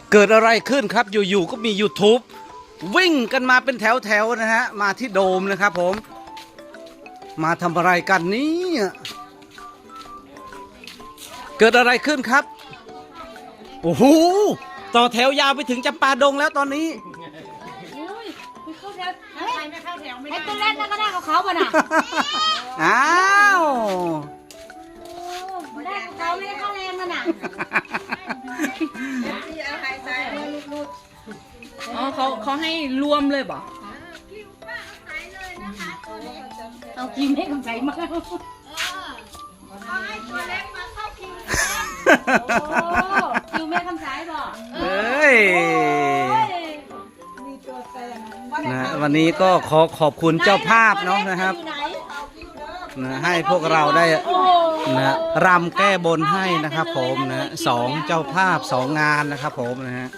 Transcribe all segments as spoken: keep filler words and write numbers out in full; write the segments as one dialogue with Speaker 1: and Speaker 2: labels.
Speaker 1: เกิดอะไรขึ้นครับอยู่ๆก็มี YouTube วิ่งกันมาเป็นแถวๆนะฮะมาที่โดมนะครับผมมาทำอะไรกันนี้เกิดอะไรขึ้นครับโอ้โหต่อแถวยาวไปถึงจำปาดงแล้วตอนนี้
Speaker 2: ให้ตัวเล่นนั่นก็ได้กับเขาป่ะน่ะ
Speaker 1: อ้าว
Speaker 2: ได้กับเขาไม่ได้เข้าแรงมันน่ะ
Speaker 3: อ๋อเขาเขาให้รวมเลยบ่
Speaker 2: เอาคิวให้กำไรมาเขาให้ตัวเล็กมาเข้าคิวคิวแม่คำสายบ่
Speaker 1: เฮ้ยนะวันนี้ก็ขอขอบคุณเจ้าภาพเนาะนะครับนะให้พวกเราได้นะรำแก้บนให้นะครับผมนะสองเจ้าภาพสองงานนะครับผมนะฮะ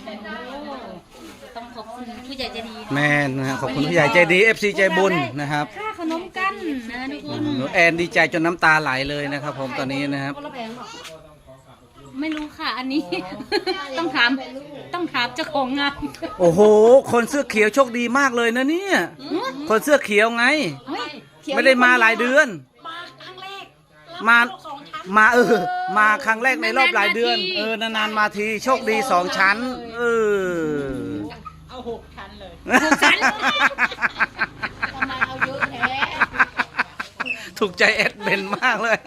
Speaker 2: ต้องขอบคุณผู้ใหญ่ใจดี
Speaker 1: แม่นะขอบคุณผู้ใหญ่ใจดี เอฟ ซี ใจบุญนะครับ
Speaker 2: ค่าขนมกันนะทุกคน
Speaker 1: แอนดีใจจนน้ำตาไหลเลยนะครับผมตอนนี้นะครับ
Speaker 2: ไม่รู้ค่ะอันนี้ต้องถามต้องถามเจ้าของงาน
Speaker 1: โอ้โหคนเสื้อเขียวโชคดีมากเลยนะเนี่ยคนเสื้อเขียวไงไม่ได้มาหลายเดือนมามาเออมาครั้งแรกในรอบหลายเดือนเออนานๆมาทีโชคดีสองชั้นเออ
Speaker 3: เอาหกชั้นเลย
Speaker 2: หกชั้นทำไมเอาเยอะแท้
Speaker 1: ถูกใจแอดเบนมากเลย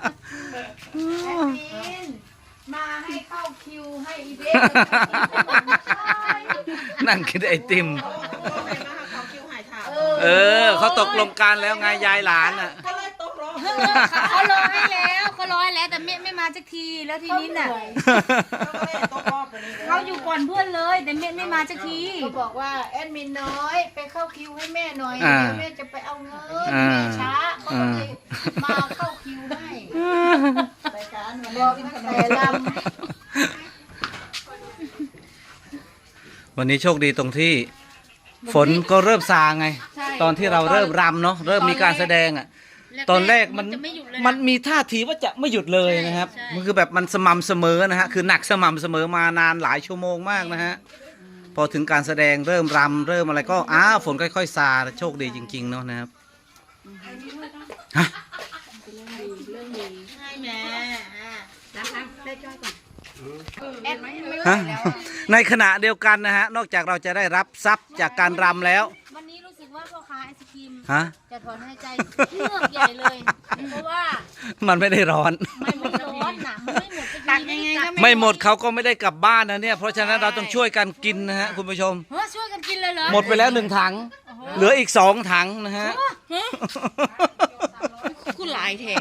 Speaker 2: มาให้เข้าคิวให้อีเบน
Speaker 1: นั่งกินไอติมเออเขาตกลงกันแล้วไงยายหลานอ่ะ
Speaker 2: เขารอให้แล้วเขารอให้แล้วแต่ไม่ไม่มาสักทีแล้วทีนี้น่ะเขาอยู่ก่อนเพื่อนเลยแต่ไม่ไม่มาสักที
Speaker 4: เขาบอกว่าแอดมินน้อยไปเข้าคิวให้แม่หน่อยเดี๋ยวแม่จะไปเอาเงินแม่ช้าเขาเลยมาเข้าคิวให้รายการบอกตั้งแต่ล
Speaker 1: ำวันนี้โชคดีตรงที่ฝนก็เริ่มซาไงตอนที่เราเริ่มรำเนาะเริ่มมีการแสดงอ่ะตอนแรกมันมันมีท่าทีว่าจะไม่หยุดเลยนะครับมันคือแบบมันสม่ำเสมอนะฮะคือหนักสม่ำเสมอมานานหลายชั่วโมงมากนะฮะพอถึงการแสดงเริ่มรำเริ่มอะไรก็อ้าฝนค่อยๆซาโชคดีจริงๆเนาะนะครับฮะฮะในขณะเดียวกันนะฮะนอกจากเราจะได้รับทรัพย์จากการรำแล้ว
Speaker 2: วันนี้รู้สึกว่าพ่อค้าไอศครีม
Speaker 1: ฮะ
Speaker 2: จะถอนหายใจเลือกใหญ่เลยเพราะว่า
Speaker 1: มันไม่ได้ร้อน
Speaker 2: ไม่หมดร้อนหนาไม่หมดตักยังไงก็
Speaker 1: ไม่หมดเขาก็ไม่ได้กลับบ้านนะเนี่ยเพราะฉะนั้นเราต้องช่วยกันกินนะฮะคุณผู้ชม
Speaker 2: เฮ้ยช่วยกันกินเลยเหรอ
Speaker 1: หมดไปแล้วหนึ่งถังเหลืออีกสองถังนะฮะ
Speaker 3: คุณหลายแท้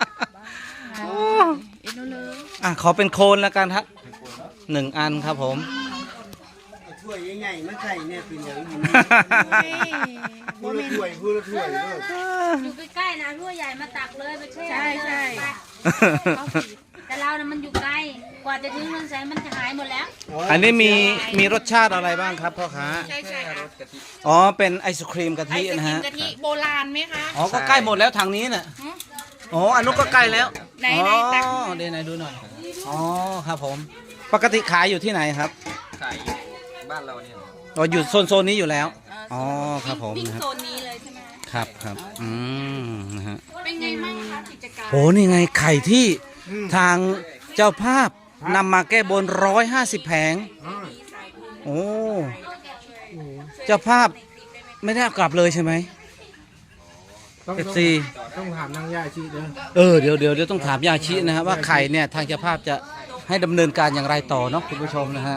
Speaker 1: อ่ะขอเป็นโคนแล้วกันครับหนึ่งอันครับผม
Speaker 5: ถ้วยใหญ่ๆมาใส่เนี่ยเป็นอย่างนี้พูดละถ้วยพูดละถ้วย
Speaker 2: อยู่ใกล้ๆนะถ้วยใหญ่มาตักเลยไปแช่
Speaker 3: ใช่ใช่
Speaker 2: แต่เรานะมันอยู่ไกลกว่าจะถึงเมืองแสนมันจะหายหมดแล้ว
Speaker 1: อันนี้มีมีรสชาติอะไรบ้างครับพ่อค้า
Speaker 3: ใช่ใช่
Speaker 1: อ๋อเป็นไอศครีมกะทินะฮะ
Speaker 3: ไอศครีมกะทิโบราณไหมคะ
Speaker 1: อ๋อก็ใกล้หมดแล้วทางนี้น่ะอ๋ออันนู้นก็ใกล้แล้ว
Speaker 3: ไหนไหนตัก
Speaker 1: เดี๋ยวไหนดูหน่อยอ๋อครับผมปกติขายอยู่ที่ไหนครับ
Speaker 5: ขายบ้านเราเนี่ย
Speaker 1: อ๋ออยู่โซนโซนนี้อยู่แล้วอ๋อครับผม
Speaker 3: นะครับโซนนี้เลยใช่ไหม
Speaker 1: ครับครับอืมนะฮะ
Speaker 3: เป็นไงบ้างคะกิจการ
Speaker 1: โอ้นี่ไงไข่ที่ทางเจ้าภาพนำมาแก้บนร้อยห้าสิบแผงโอ้เจ้าภาพไม่ได้กลับเลยใช่ไหมเอฟซี
Speaker 5: ต้องถามนางยาชีเด้อ
Speaker 1: เออเดี๋ยวเดี๋ยวเดี๋ยวต้องถามยาชีนะครับว่าไข่เนี่ยทางเจ้าภาพจะให้ดำเนินการอย่างไรต่อเนาะคุณผู้ชมนะฮะ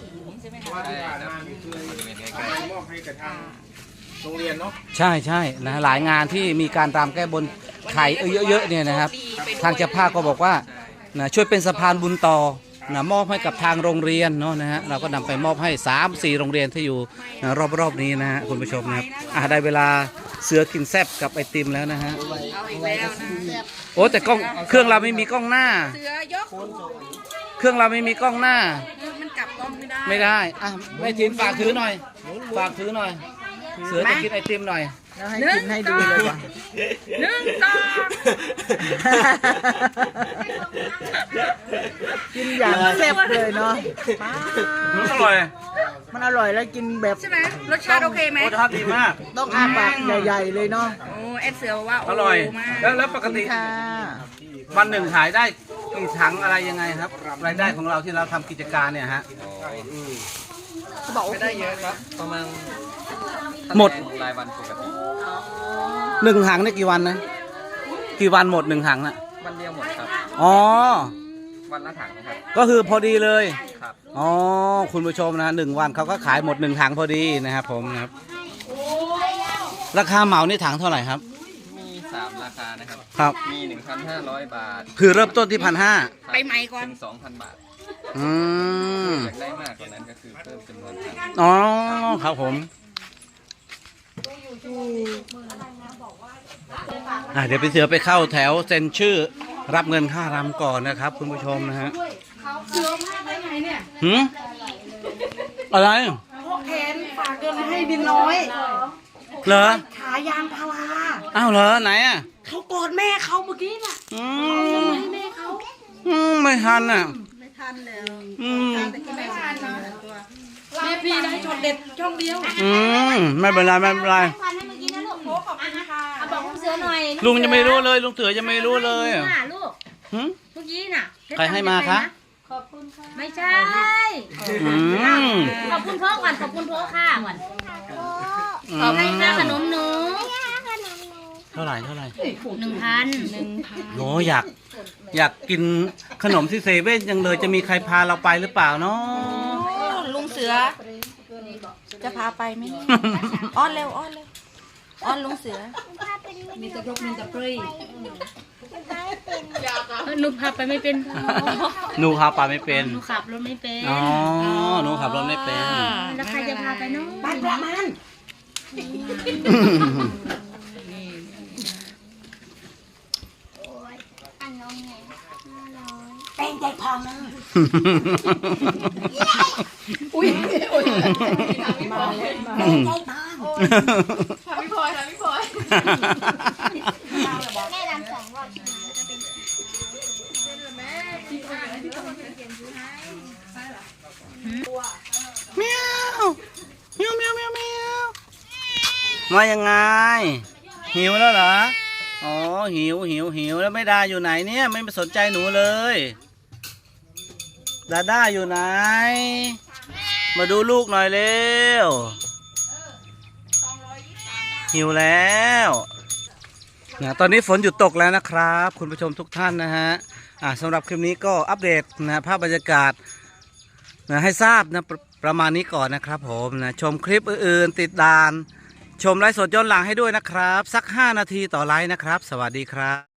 Speaker 5: โรงเรียนเนาะ
Speaker 1: ใช่ใช่นะหลายงานที่มีการรำแก้บนไข่เยอะๆเนี่ยนะครับทางเจ้าภาพก็บอกว่านะช่วยเป็นสะพานบุญต่อนะมอบให้กับทางโรงเรียนเนาะนะฮะเราก็นำไปมอบให้สามสี่โรงเรียนที่อยู่นะรอบๆนี้นะฮะคุณผู้ชมนะครับอ่ะได้เวลาเสือกินแซบกับไอติมแล้วนะฮะโอ้แต่กล้องเครื่องเราไม่มีกล้องหน้า
Speaker 3: เสือยก
Speaker 1: เครื่องเราไม่มีกล้องหน้า
Speaker 3: มันกลับกล้องไม่ได้
Speaker 1: ไม่ได้อ่ะไม่ทีมฝากถือหน่อยฝากถือหน่อยเสือจะกินไอติมหน่อย
Speaker 4: แล้วให้กินให้ดูเลยว่ะ
Speaker 3: หนึ่งสอง
Speaker 4: กินอย่างแซ่บเลยเนาะ
Speaker 1: อร่อย
Speaker 4: มันอร่อยแล้วกินแบบ
Speaker 3: ใช่ไหมรสชาติโอเคไหม
Speaker 1: รสชาติดีมาก
Speaker 4: ต้องอาปากใหญ่ๆเลยเนาะ
Speaker 3: โอ้แอดเสือบอกว่าโ
Speaker 1: อร่อย
Speaker 3: มาก
Speaker 1: แล้วแล้วปกติ
Speaker 4: ค่ะ
Speaker 1: วันหนึ่งขายได้กี่ถังอะไรยังไงครับ รายได้ของเราที่เราทำกิจการเนี่ยฮะ
Speaker 6: ไม่ได้เยอะครับ ประมาณ
Speaker 1: หมด
Speaker 6: รายวันปกติ
Speaker 1: หนึ่งถังได้กี่วันนะ กี่วันหมดหนึ่งถังน่ะ
Speaker 6: วันเดียวหมดครับ
Speaker 1: อ๋อ
Speaker 6: วันละถังนะครับ
Speaker 1: ก็คือพอดีเลย
Speaker 6: ครับ
Speaker 1: อ๋อ คุณผู้ชมนะหนึ่งวันเขาก็ขายหมดหนึ่งถังพอดีนะครับผมนะครับ ราคาเหมานี่ถังเท่าไหร่ครับ
Speaker 6: มีสามราคานะครับ
Speaker 1: ครับ
Speaker 6: มี หนึ่งพันห้าร้อย บาท
Speaker 1: คือเริ่มต้นที่พันห้า
Speaker 6: ครับ
Speaker 3: ไปไหมก่อน
Speaker 6: ถึง สองพัน บาท
Speaker 1: อืม
Speaker 6: อยากได้มากกว่านั้นก็คือเพิ่มจำนวนถัง
Speaker 1: อ๋อ ครับผม อ่ะเดี๋ยวพี่เสือไปเข้าแถวเซ็นชื่อ รับเงินค่ารำก่อนนะครับ คุณผู้ชมนะฮะหืมอะไร
Speaker 3: พวกแทนฝากเงินให้บินน้อย
Speaker 1: เหรอ
Speaker 3: ขายางพารา
Speaker 1: อ้าวเหรอไหนอ่ะ
Speaker 3: เขากอดแม่เขาเมื่อกี้น่ะ
Speaker 1: อืมอืมไม่ทันอ่ะ
Speaker 3: ไม่ทันแล้ว
Speaker 1: อืม
Speaker 3: ไม่ทันนะแม่พี่ได้ช็อตเด็ดช่องเดียว
Speaker 1: อืมไม่เป็นไรไม่เป็นไร
Speaker 3: โอ้ขอบคุณค่ะ
Speaker 2: เอาบอกลุงเสือหน่อย
Speaker 1: ลุงยังไม่รู้เลยลุงเสือยังไม่รู้เลย
Speaker 2: ให้
Speaker 1: อ่ะ
Speaker 2: มาลูก
Speaker 1: หึ
Speaker 2: เมื่อกี้น่ะ
Speaker 1: ใครให้มาคะ
Speaker 2: ไม่ใช่
Speaker 1: อืม
Speaker 2: ขอบคุณพ่อก่อนขอบคุณพ่อค่ะก่อน
Speaker 1: อื
Speaker 2: ขอบคุณค่าม ขนมหนู
Speaker 1: เท่าไหร่เท่าไหร่
Speaker 2: หนึ่งพันหนึ่งพัน
Speaker 1: โหอยากอยากกินขนมที่เซเว่นยังเลยจะมีใครพาเราไปหรือเปล่าเนาะ
Speaker 3: ลุงเสือ จะพาไปไหมอ้อนเร็วอ้อนเร็วอ้อนลุงเสือ
Speaker 2: มีแต่รกมีแต่ปรีหนูพาไปไม่เป็น
Speaker 1: หนูพาไปไม่เป็น
Speaker 2: หนูขับรถไม่เป็น
Speaker 1: อ๋อหนูขับรถไม่เป็น
Speaker 2: แล้วใครจะพาไปเนาะ
Speaker 3: บ้านประมาณ แป้งใจพองนะอุ้ยอุ้ยมาเลยมาแป้งใจพองทำพี่พลอยทำพี่พลอยแม่รำสองรอบจะเป็นแม่ที่พลอยที่ต้องเขียนชื่อให้
Speaker 1: เมียวเมียวเมียวเมียวเมียวมายังไง หิวแล้วเหรอ อ๋อ หิวหิวหิวแล้วไม่ดาอยู่ไหนเนี่ย ไม่สนใจหนูเลย ดาด้าอยู่ไหน มาดูลูกหน่อยเร็ว หิวแล้วนะตอนนี้ฝนหยุดตกแล้วนะครับ คุณผู้ชมทุกท่านนะฮะ อ่าสำหรับคลิปนี้ก็อัปเดตนะภาพบรรยากาศนะให้ทราบนะประประมาณนี้ก่อนนะครับผมนะชมคลิปอื่นๆติดตามชมไลฟ์สดย้อนหลังให้ด้วยนะครับ สักห้านาทีต่อไลฟ์นะครับ สวัสดีครับ